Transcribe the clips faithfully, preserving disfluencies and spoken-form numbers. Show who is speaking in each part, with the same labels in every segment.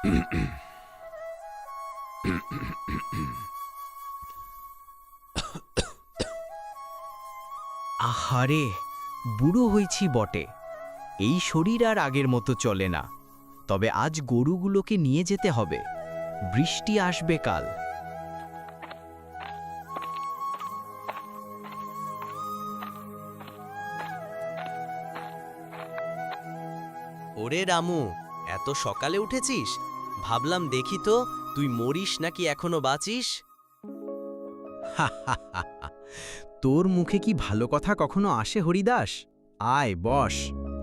Speaker 1: আহারে, বুড়ো হয়েছি বটে, এই শরীর আর আগের মতো চলে না। তবে আজ গরুগুলোকে নিয়ে যেতে হবে, বৃষ্টি আসবে কাল।
Speaker 2: ওরে রামু, এত সকালে উঠেছিস? ভাবলাম দেখি তো তুই মরিস নাকি এখনো বাঁচিস।
Speaker 1: তোর মুখে কি ভালো কথা কখনো আসে হরিদাস? আয় বস।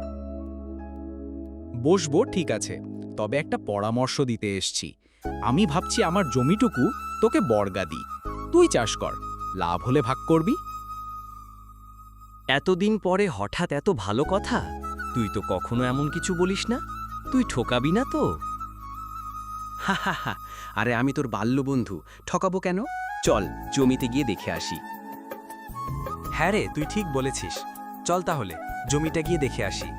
Speaker 1: বসবো, ঠিক আছে, তবে একটা পরামর্শ দিতে এসছি। আমি ভাবছি আমার জমিটুকু তোকে বর্গা দিই, তুই চাষ কর, লাভ হলে ভাগ করবি।
Speaker 2: এতদিন পরে হঠাৎ এত ভালো কথা? তুই তো কখনো এমন কিছু বলিস না, তুই ঠকাবি না তো?
Speaker 1: হা হা হা, আরে আমি তোর বাল্যবন্ধু, ঠকাবো কেন? চল জমিতে গিয়ে দেখে আসি।
Speaker 3: হ্যাঁ রে, তুই ঠিক বলেছিস, চল তাহলে জমিটা গিয়ে দেখে আসি।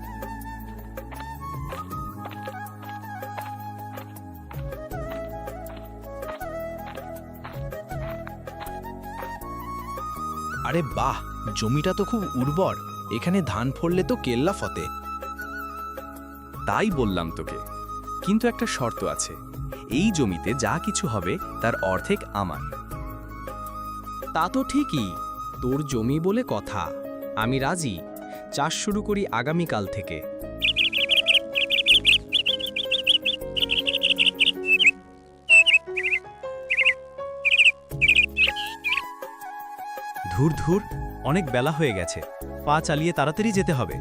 Speaker 4: আরে বাহ, জমিটা তো খুব উর্বর, এখানে ধান ফললে তো কেল্লা ফতে।
Speaker 3: তাই বললাম তোকে, কিন্তু একটা শর্ত আছে, এই জমিতে যা কিছু হবে তার অর্ধেক আমার।
Speaker 1: তা তো ঠিকই, তোর জমি বলে কথা, আমি রাজি, চাষ শুরু করি আগামীকাল থেকে।
Speaker 3: ধুর ধুর, অনেক বেলা হয়ে গেছে, পা চালিয়ে তাড়াতাড়ি যেতে হবে।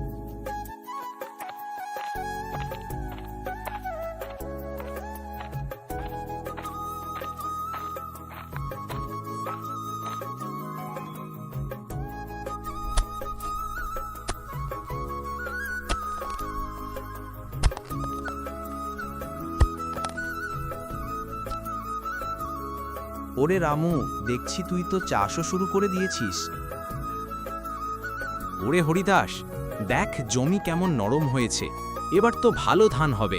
Speaker 4: ওরে রামু, দেখছি তুই তো চাষও শুরু করে দিয়েছিস।
Speaker 1: ওরে হরিদাস, দেখ জমি কেমন নরম হয়েছে, এবার তো ভালো ধান হবে।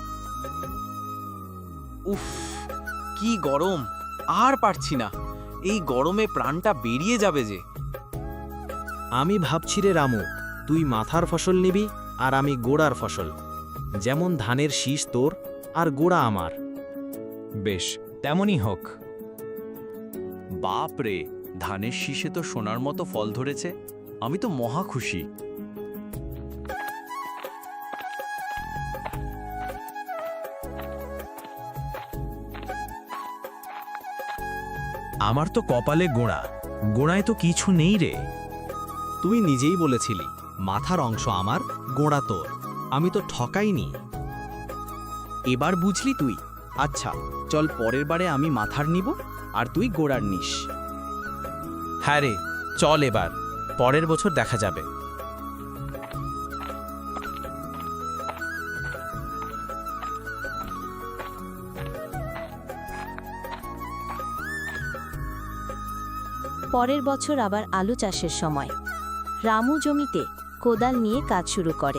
Speaker 2: উফ, কি গরম, আর পারছি না, এই গরমে প্রাণটা বেরিয়ে যাবে যে।
Speaker 1: আমি ভাবছি রে রামু, তুই মাথার ফসল নিবি আর আমি গোড়ার ফসল, যেমন ধানের শীষ তোর আর গোড়া আমার।
Speaker 3: বেশ, তেমনই হোক।
Speaker 2: বাপ রে, ধানের শীষে তো সোনার মতো ফল ধরেছে, আমি তো মহা খুশি।
Speaker 4: আমার তো কপালে গোড়া, গোড়ায় তো কিছু নেই রে।
Speaker 1: তুই নিজেই বলেছিলি মাথার অংশ আমার, গোড়া তোর, আমি তো ঠকাইনি। এবার বুঝলি তুই? আচ্ছা চল, পরের বারে আমি মাথার নিব আর তুই গোড়ার নিস।
Speaker 4: হ্যাঁ রে, চল এবার, পরের বছর দেখা যাবে।
Speaker 5: পরের বছর আবার আলু চাষের সময় রামু জমিতে কোদাল নিয়ে কাজ শুরু করে।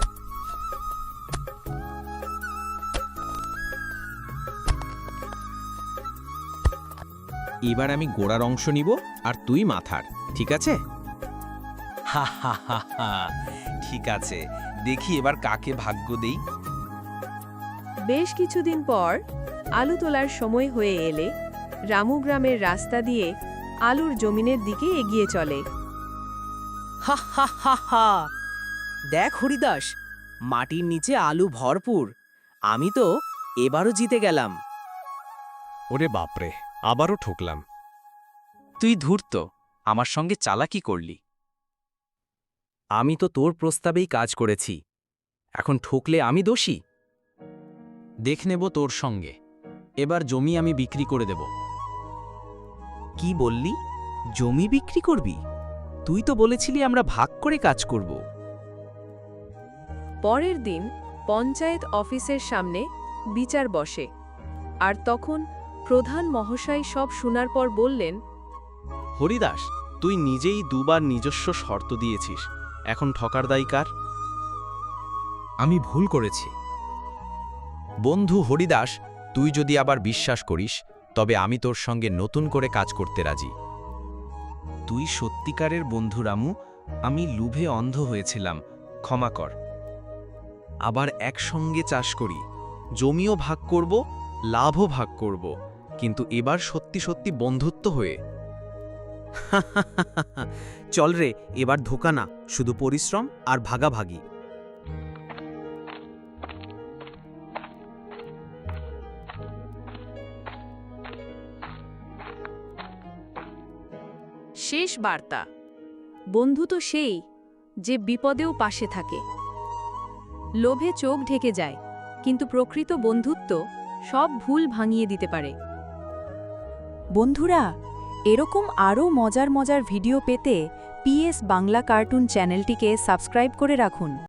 Speaker 1: এবার আমি গোড়ার অংশ নিব আর তুই মাথার, ঠিক আছে?
Speaker 2: হা হা হা হা, ঠিক আছে, দেখি এবার কাকে ভাগ্য দেই।
Speaker 6: বেশ কিছুদিন পর আলু তোলার সময় হয়ে এলে রামু গ্রামের রাস্তা দিয়ে আলুর জমিনের দিকে এগিয়ে চলে।
Speaker 2: হা হা হা হা, দেখ হরিদাস, মাটির নিচে আলু ভরপুর, আমি তো এবারও জিতে গেলাম।
Speaker 3: ওরে বাপরে, আবারও ঠকলাম।
Speaker 2: তুই ধূর্ত, আমার সঙ্গে চালাকি করলি।
Speaker 1: আমি তো তোর প্রস্তাবেই কাজ করেছি, এখন ঠকলে আমি দোষী? দেখ নেব তোর সঙ্গে, এবার জমি আমি বিক্রি করে দেব। কি বললি? জমি বিক্রি করবি? তুই তো বলেছিলি আমরা ভাগ করে কাজ করব।
Speaker 6: পরের দিন পঞ্চায়েত অফিসের সামনে বিচার বসে, আর তখন প্রধান মহাশয় সব শোনার পর বললেন,
Speaker 4: হরিদাস, তুই নিজেই দুবার নিজস্ব শর্ত দিয়েছিস, এখন ঠকার দায় কার?
Speaker 3: আমি ভুল করেছি। বন্ধু হরিদাস, তুই যদি আবার বিশ্বাস করিস তবে আমি তোর সঙ্গে নতুন করে কাজ করতে রাজি।
Speaker 1: তুই সত্যিকারের বন্ধু রামু, আমি লোভে অন্ধ হয়েছিলাম, ক্ষমা কর। আবার একসঙ্গে চাষ করি, জমিও ভাগ করব, লাভও ভাগ করব, কিন্তু এবার সত্যি সত্যি বন্ধুত্ব হয়ে।
Speaker 2: চল রে, এবার ধোকা না, শুধু পরিশ্রম আর ভাগাভাগি।
Speaker 6: শেষ বার্তা। বন্ধু তো সেই যে বিপদেও পাশে থাকে। লোভে চোখ ঢেকে যায়, কিন্তু প্রকৃত বন্ধুত্ব সব ভুল ভাঙিয়ে দিতে পারে। বন্ধুরা, এরকম আরও মজার মজার ভিডিও পেতে পিএস বাংলা কার্টুন চ্যানেলটিকে সাবস্ক্রাইব করে রাখুন।